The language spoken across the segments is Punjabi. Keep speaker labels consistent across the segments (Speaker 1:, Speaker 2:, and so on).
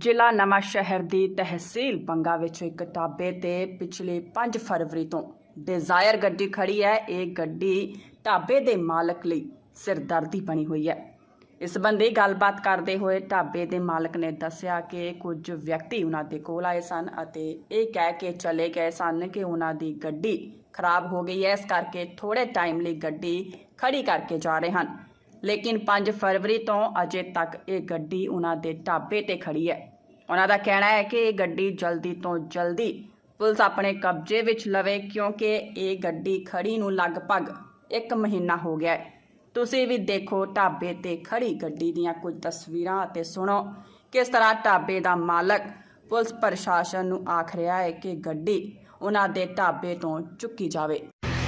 Speaker 1: ਜ਼ਿਲ੍ਹਾ ਨਵਾਂਸ਼ਹਿਰ ਦੀ ਤਹਿਸੀਲ ਬੰਗਾ ਵਿੱਚ ਇੱਕ ਢਾਬੇ ਤੇ ਪਿਛਲੇ 5 ਫਰਵਰੀ ਤੋਂ ਡਿਜ਼ਾਇਰ ਗੱਡੀ ਖੜੀ ਹੈ। ਇਹ ਗੱਡੀ ਢਾਬੇ ਦੇ ਮਾਲਕ ਲਈ ਸਿਰਦਰਦੀ ਬਣੀ ਹੋਈ ਹੈ। ਇਸ ਸੰਬੰਧੀ ਗੱਲਬਾਤ ਕਰਦੇ ਹੋਏ ਢਾਬੇ ਦੇ ਮਾਲਕ ਨੇ ਦੱਸਿਆ ਕਿ ਕੁਝ ਵਿਅਕਤੀ ਉਹਨਾਂ ਦੇ ਕੋਲ ਆਏ ਸਨ ਅਤੇ ਇਹ ਕਹਿ ਕੇ ਚਲੇ ਗਏ ਸਨ ਕਿ ਉਹਨਾਂ ਦੀ ਗੱਡੀ ਖਰਾਬ ਹੋ ਗਈ ਹੈ, ਇਸ ਕਰਕੇ ਥੋੜੇ ਟਾਈਮ ਲਈ ਗੱਡੀ ਖੜੀ ਕਰਕੇ ਜਾ ਰਹੇ ਹਨ। लेकिन 5 फरवरी तो अजे तक ये गड्डी उन्होंने ढाबे ते खड़ी है। उन्होंने कहना है कि ये गड्डी जल्दी तो जल्दी पुलिस अपने कब्जे विच लवे, क्योंकि ये गड्डी खड़ी नूं लगभग 1 महीना हो गया है। तुसीं भी देखो ढाबे ते खड़ी गड्डी दीयां कुछ तस्वीरां ते सुनो किस तरह ढाबे दा मालक पुलिस प्रशासन नूं आख रहा है कि गड्डी उन्हां दे ढाबे तो चुकी जावे।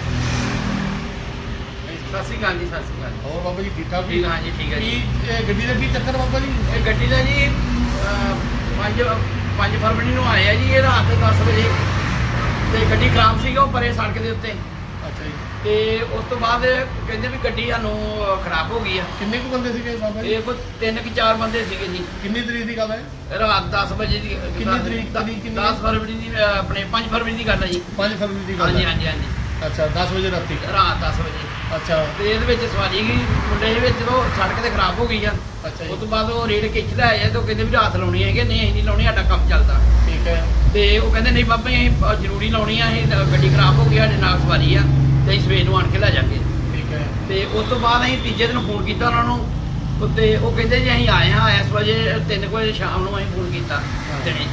Speaker 2: सत श्री अकाल जी। सत श्री अकाल।
Speaker 3: और बाबा जी ठीक ठाक?
Speaker 2: ठीक, हाँ जी ठीक है जी।
Speaker 3: गड्डी का की चक्कर बाबा जी?
Speaker 2: गड्डी का जी 5 फरवरी ਨੂੰ ਆਏ ਆ ਜੀ। ਇਹ ਰਾਤ 10 ਵਜੇ ਤੇ ਗੱਡੀ ਖਰਾਬ ਸੀਗਾ ਉਹ ਪਰੇ ਸੜਕ ਦੇ ਉੱਤੇ।
Speaker 3: ਅੱਛਾ ਜੀ।
Speaker 2: ਤੇ ਉਸ ਤੋਂ ਬਾਅਦ ਕਹਿੰਦੇ ਵੀ ਗੱਡੀ ਸਾਨੂੰ ਖਰਾਬ ਹੋ ਗਈ ਆ।
Speaker 3: ਕਿੰਨੇ ਕੁ ਬੰਦੇ ਸੀਗੇ ਬਾਬਾ ਜੀ?
Speaker 2: ਇਹ ਕੋਈ 3 ਕਿ 4 ਬੰਦੇ ਸੀਗੇ ਜੀ।
Speaker 3: ਕਿੰਨੀ ਤਰੀਕ ਦੀ ਗੱਲ ਹੈ?
Speaker 2: ਰਾਤ 10 ਵਜੇ ਦੀ।
Speaker 3: ਕਿੰਨੀ ਤਰੀਕ ਦੀ?
Speaker 2: 10 ਫਰਵਰੀ ਦੀ, ਆਪਣੇ 5 ਫਰਵਰੀ ਦੀ ਗੱਲ ਹੈ ਜੀ।
Speaker 3: 5 ਫਰਵਰੀ ਦੀ ਗੱਲ
Speaker 2: ਹਾਂਜੀ
Speaker 3: ਹੈ?
Speaker 2: ਹਾਂਜੀ ਹਾਂਜੀ।
Speaker 3: ਅੱਛਾ 10 ਵਜੇ ਰਾਤੀ?
Speaker 2: ਰਾਤ 10 ਵਜੇ।
Speaker 3: ਅੱਛਾ।
Speaker 2: ਤੇ ਇਹਦੇ ਵਿੱਚ ਸਵਾਰੀ ਗਈ ਮੁੰਡੇ ਦੇ ਵਿੱਚ ਜਦੋਂ ਸੜਕ ਤੇ ਖਰਾਬ ਹੋ ਗਈ ਆ।
Speaker 3: ਅੱਛਾ ਜੀ।
Speaker 2: ਉਸ ਤੋਂ ਬਾਅਦ ਉਹ ਰੇਡ ਖਿੱਚਦਾ ਆਇਆ ਤੇ ਉਹ ਕਹਿੰਦੇ ਵੀ ਰਾਤ ਲਾਉਣੀ ਹੈਗੇ। ਨਹੀਂ ਅਸੀਂ ਨਹੀਂ ਲਾਉਣੀ, ਸਾਡਾ ਕੰਮ ਚੱਲਦਾ।
Speaker 3: ਠੀਕ ਹੈ।
Speaker 2: ਤੇ ਉਹ ਕਹਿੰਦੇ ਨਹੀਂ ਬਾਬਾ ਜੀ ਅਸੀਂ ਜ਼ਰੂਰੀ ਲਾਉਣੀ ਆ, ਅਸੀਂ ਗੱਡੀ ਖਰਾਬ ਹੋ ਗਈ, ਸਾਡੇ ਨਾਲ ਸਵਾਰੀ ਆ ਤੇ ਅਸੀਂ ਸਵੇਰ ਨੂੰ ਆਣ ਕੇ ਲੈ ਜਾਵਾਂਗੇ।
Speaker 3: ਠੀਕ ਹੈ।
Speaker 2: ਤੇ ਉਸ ਤੋਂ ਬਾਅਦ ਅਸੀਂ ਤੀਜੇ ਦਿਨ ਫੋਨ ਕੀਤਾ ਉਹਨਾਂ ਨੂੰ ਤੇ ਉਹ ਕਹਿੰਦੇ ਜੀ ਅਸੀਂ ਆਏ ਹਾਂ ਇਸ ਵਜੇ 3 ਵਜੇ ਸ਼ਾਮ ਨੂੰ ਅਸੀਂ ਫੋਨ ਕੀਤਾ ਦਿਨੇ।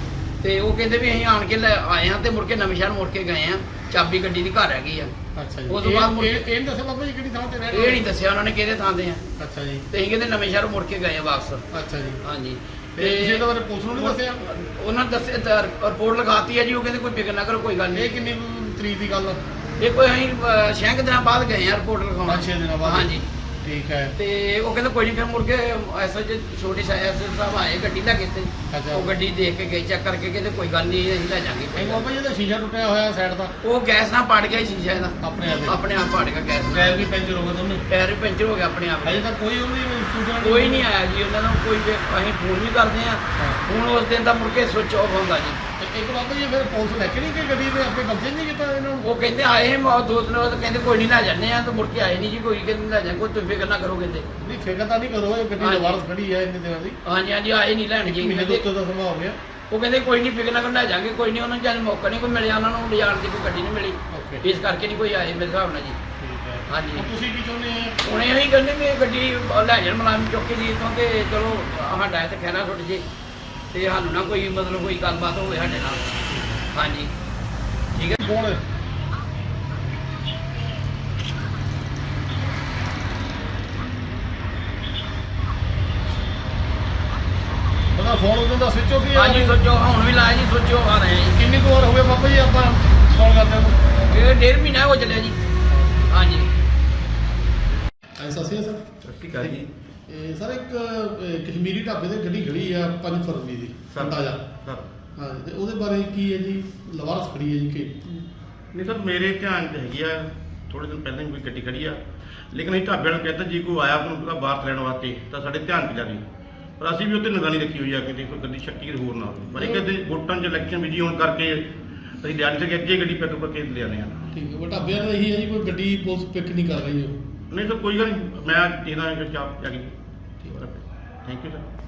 Speaker 2: ਤੇ ਉਹ ਕਹਿੰਦੇ ਵੀ ਅਸੀਂ ਆਣ ਕੇ ਲੈ ਆਏ ਹਾਂ ਤੇ ਮੁੜ ਕੇ ਨਵੇਂ ਸ਼ਹਿਰ ਮੁੜ ਕੇ ਗਏ ਆ। ਚਾਬੀ ਗੱਡੀ ਦੀ ਘਰ ਹੈਗੀ ਆ।
Speaker 3: ਅੱਛਾ ਜੀ।
Speaker 2: ਉਸ ਤੋਂ ਬਾਅਦ
Speaker 3: ਇਹ ਨਹੀਂ ਦੱਸਿਆ ਬਾਬਾ ਜੀ ਕਿਹੜੀ ਥਾਂ ਤੇ ਰਹਿ ਰਹੇ?
Speaker 2: ਇਹ ਨਹੀਂ ਦੱਸਿਆ ਉਹਨਾਂ ਨੇ ਕਿਹਦੇ ਥਾਂ ਤੇ ਆ।
Speaker 3: ਅੱਛਾ ਜੀ।
Speaker 2: ਤੇ ਅਸੀਂ ਕਹਿੰਦੇ ਨਵੇਂ ਸ਼ਹਿਰ ਮੁੜ ਕੇ ਗਏ ਆ ਵਾਪਸ।
Speaker 3: ਅੱਛਾ ਜੀ।
Speaker 2: ਹਾਂਜੀ।
Speaker 3: ਤੇ ਤੁਸੀਂ ਇਹਦੇ ਬਾਰੇ ਪੁਲਿਸ ਨੂੰ ਨਹੀਂ ਦੱਸਿਆ?
Speaker 2: ਉਹਨਾਂ ਨੇ ਦੱਸਿਆ, ਰਿਪੋਰਟ ਲਿਖਾਤੀ ਹੈ ਜੀ। ਉਹ ਕਹਿੰਦੇ ਕੋਈ ਫਿਕਰ ਨਾ ਕਰੋ, ਕੋਈ ਗੱਲ
Speaker 3: ਇਹ
Speaker 2: ਨਹੀਂ।
Speaker 3: ਕਿੰਨੀ ਤਰੀਕ ਦੀ ਗੱਲ ਹੈ?
Speaker 2: ਇਹ ਕੋਈ ਅਸੀਂ 6 ਦਿਨਾਂ ਬਾਅਦ ਗਏ ਆ ਰਿਪੋਰਟ ਲਿਖਾਉਣ।
Speaker 3: 5-6 ਦਿਨਾਂ ਬਾਅਦ?
Speaker 2: ਹਾਂਜੀ।
Speaker 3: ਠੀਕ ਹੈ।
Speaker 2: ਤੇ ਉਹ ਕਹਿੰਦੇ ਕੋਈ ਨਹੀਂ, ਫਿਰ ਮੁੜ ਕੇ ਐਸਾ ਜੇ ਛੋਟੀ ਸਾਹਿਬ ਆਏ ਗੱਡੀ ਲੈ ਕੇ ਤੇ
Speaker 3: ਅੱਛਾ।
Speaker 2: ਉਹ ਗੱਡੀ ਦੇਖ ਕੇ ਗਏ, ਚੈੱਕ ਕਰਕੇ ਕਹਿੰਦੇ ਕੋਈ ਗੱਲ ਨਹੀਂ ਅਸੀਂ ਲੈ ਜਾਾਂਗੇ।
Speaker 3: ਬਾਬਾ ਜੀ ਇਹਦਾ ਸ਼ੀਸ਼ਾ ਟੁੱਟਿਆ ਹੋਇਆ ਸਾਈਡ ਦਾ?
Speaker 2: ਉਹ ਗੈਸ ਨਾਲ ਪੜ ਗਿਆ ਸ਼ੀਸ਼ਾ ਇਹਦਾ।
Speaker 3: ਆਪਣੇ ਆਪ?
Speaker 2: ਆਪਣੇ ਆਪ ਪੜ ਗਿਆ ਗੈਸ ਨਾਲ।
Speaker 3: ਟਾਇਰ ਵੀ ਪੈਂਚਰ ਹੋ ਗਿਆ ਦੋਨੇ?
Speaker 2: ਟਾਇਰ ਵੀ ਪੈਂਚਰ ਹੋ ਗਿਆ ਆਪਣੇ ਆਪ।
Speaker 3: ਅਜੇ ਤੱਕ ਕੋਈ ਉਹਦੀ ਸੂਚਨਾ
Speaker 2: ਕੋਈ ਨਹੀਂ ਆਇਆ ਜੀ ਉਹਨਾਂ ਨੂੰ। ਕੋਈ ਅਸੀਂ ਫੋਨ ਵੀ ਕਰਦੇ ਆ। ਫੋਨ ਉਸ ਦਿਨ ਦਾ ਮੁੜ ਕੇ ਸਵਿਚ ਆਫ ਹੁੰਦਾ ਜੀ।
Speaker 3: ਇੱਕ ਬਾਬਾ ਜੀ ਫਿਰ ਪੁਲਿਸ ਲੈ ਕੇ ਨਹੀਂ ਗਈ ਗੱਡੀ ਦੇ ਆਪਣੇ ਕਬਜ਼ੇ ਨਹੀਂ ਕੀਤਾ ਇਹਨਾਂ ਨੂੰ?
Speaker 2: ਉਹ ਕਹਿੰਦੇ ਆਏ ਸੀ 2 ਦਿਨ ਬਾਅਦ, ਕਹਿੰਦੇ ਕੋਈ ਨਹੀਂ ਲੈ ਜਾਂਦੇ ਆ, ਤੇ ਮੁੜ ਕੇ ਆਏ ਨਹੀਂ ਜੀ। ਕੋਈ ਕਹਿੰਦੇ ਲੈ ਜਾ, ਕੋਈ ਤੁਸੀਂ ਫਿਕਰ ਨਾ ਕਰੋ ਕਹਿੰਦੇ।
Speaker 3: ਨਹੀਂ ਫਿਕਰ ਤਾਂ ਨਹੀਂ ਕਰੋ, ਇਹ ਗੱਡੀ ਲਵਾਰਸ ਖੜੀ ਹੈ ਇੰਨੇ ਦਿਨਾਂ ਦੀ।
Speaker 2: ਹਾਂਜੀ ਹਾਂਜੀ ਆਏ ਨਹੀਂ ਲੈਣ ਜੀ।
Speaker 3: ਮਹੀਨੇ ਤੋਂ ਉੱਤੇ ਦਾ ਸਮਾਂ ਹੋ ਗਿਆ।
Speaker 2: ਉਹ ਕਹਿੰਦੇ ਕੋਈ ਨਹੀਂ ਫਿਕਰ ਨਾ ਕਰੋ, ਲੈ ਜਾਾਂਗੇ ਕੋਈ ਨਹੀਂ। ਉਹਨਾਂ ਨੂੰ ਜਦ ਮੌਕਾ ਨਹੀਂ ਕੋਈ ਮਿਲਿਆ, ਉਹਨਾਂ ਨੂੰ ਲਿਜਾਣ ਦੀ ਕੋਈ ਗੱਡੀ ਨਹੀਂ ਮਿਲੀ, ਇਸ ਕਰਕੇ ਨਹੀਂ ਕੋਈ ਆਏ ਮੇਰੇ ਹਿਸਾਬ ਨਾਲ ਜੀ।
Speaker 3: ਠੀਕ ਹੈ।
Speaker 2: ਹਾਂਜੀ।
Speaker 3: ਹੁਣ ਤੁਸੀਂ ਕੀ ਚਾਹੁੰਦੇ ਆ?
Speaker 2: ਹੁਣ ਇਹੀ ਕਹਿੰਦੇ ਵੀ ਇਹ ਗੱਡੀ ਲੈ ਜਾਣ ਮੁਲਾਜ਼ਮ ਚੁੱਕ ਕੇ ਜੀ ਇੱਥੋਂ, ਤੇ ਚਲੋ ਸਾਡਾ ਇੱਥੇ ਖਹਿਰਾ ਛੁੱਟ ਜੇ ਤੇ ਸਾਨੂੰ ਨਾ ਕੋਈ ਮਤਲਬ ਕੋਈ ਗੱਲਬਾਤ ਹੋਵੇ ਸਾਡੇ ਨਾਲ। ਹਾਂਜੀ ਠੀਕ ਹੈ।
Speaker 3: ਕੌਣ ਹੈ? ਉਹਦਾ ਫੋਨ ਉਦੋਂ ਦਾ ਸਵਿਚ ਆਫ ਹੀ ਹੈ?
Speaker 2: ਹਾਂਜੀ ਸੋਚੋ ਹੁਣ ਵੀ ਲਾਇਆ ਜੀ, ਸੋਚੋ ਆ ਰਹੇ ਜੀ।
Speaker 3: ਕਿੰਨੀ ਕੁ ਵਾਰ ਹੋ ਗਿਆ ਬਾਬਾ ਜੀ ਆਪਾਂ ਫੋਨ ਕਰਦੇ ਨੂੰ?
Speaker 2: ਇਹ 1.5 ਮਹੀਨਾ ਹੋ ਚੱਲਿਆ ਜੀ। ਹਾਂਜੀ।
Speaker 3: ਐਸਾ ਸੀ ਸਰ?
Speaker 4: ਠੀਕ ਹੈ ਜੀ।
Speaker 3: ਇਹ ਸਰ ਇੱਕ ਕਸ਼ਮੀਰੀ ਢਾਬੇ ਤੇ ਗੱਡੀ ਖੜੀ ਆ 5 ਫਰਵਰੀ ਦੀ ਤਾਜ਼ਾ।
Speaker 4: ਸਰ
Speaker 3: ਹਾਂ ਤੇ ਉਹਦੇ ਬਾਰੇ ਕੀ ਹੈ ਜੀ? ਲਵਾਰਸ ਖੜੀ ਹੈ ਜੀ ਕਿ
Speaker 4: ਨਹੀਂ ਸਰ, ਮੇਰੇ ਧਿਆਨ 'ਚ ਹੈਗੀ ਆ ਥੋੜੇ ਦਿਨ ਪਹਿਲਾਂ ਹੀ ਕੋਈ ਗੱਡੀ ਖੜੀ ਆ, ਲੇਕਿਨ ਅਸੀਂ ਢਾਬੇ ਨੂੰ ਕਹਿੰਦਾ ਜੀ ਕੋਈ ਆਇਆ ਉਹਨੂੰ ਪੂਰਾ ਬਾਹਰ ਲੈਣ ਵਾਸਤੇ ਤਾਂ ਸਾਡੇ ਧਿਆਨ 'ਚ ਜਾਣੀ, ਪਰ ਅਸੀਂ ਵੀ ਉੱਤੇ ਨਿਗਰਾਨੀ ਰੱਖੀ ਹੋਈ ਆ ਕਿ ਦੇਖੋ ਗੱਡੀ ਸ਼ੱਕੀ ਕਿਤੇ ਹੋਰ ਨਾ ਹੋਵੇ। ਪਰ ਇੱਕ ਤੇ ਵੋਟਾਂ 'ਚ ਇਲੈਕਸ਼ਨ ਬਿਜੀ ਹੋਣ ਕਰਕੇ ਅਸੀਂ ਲਿਆ ਨਹੀਂ ਸਕੇ, ਅੱਗੇ ਗੱਡੀ ਪਿਕ ਕਰਕੇ ਲਿਆਉਂਦੇ ਆ।
Speaker 3: ਠੀਕ ਹੈ। ਉਹ ਢਾਬਿਆਂ ਦਾ ਇਹੀ ਹੈ ਜੀ ਕੋਈ ਗੱਡੀ ਪੁਲਿਸ ਪਿਕ ਨਹੀਂ ਕਰ ਰਹੀ ਹੋ?
Speaker 4: ਨਹੀਂ ਸਰ ਕੋਈ ਗੱਲ ਨਹੀਂ, ਮੈਂ ਇਹਦਾ ਇੱਕ ਚਾਪ ਜਾ ਕੇ। Thank you sir.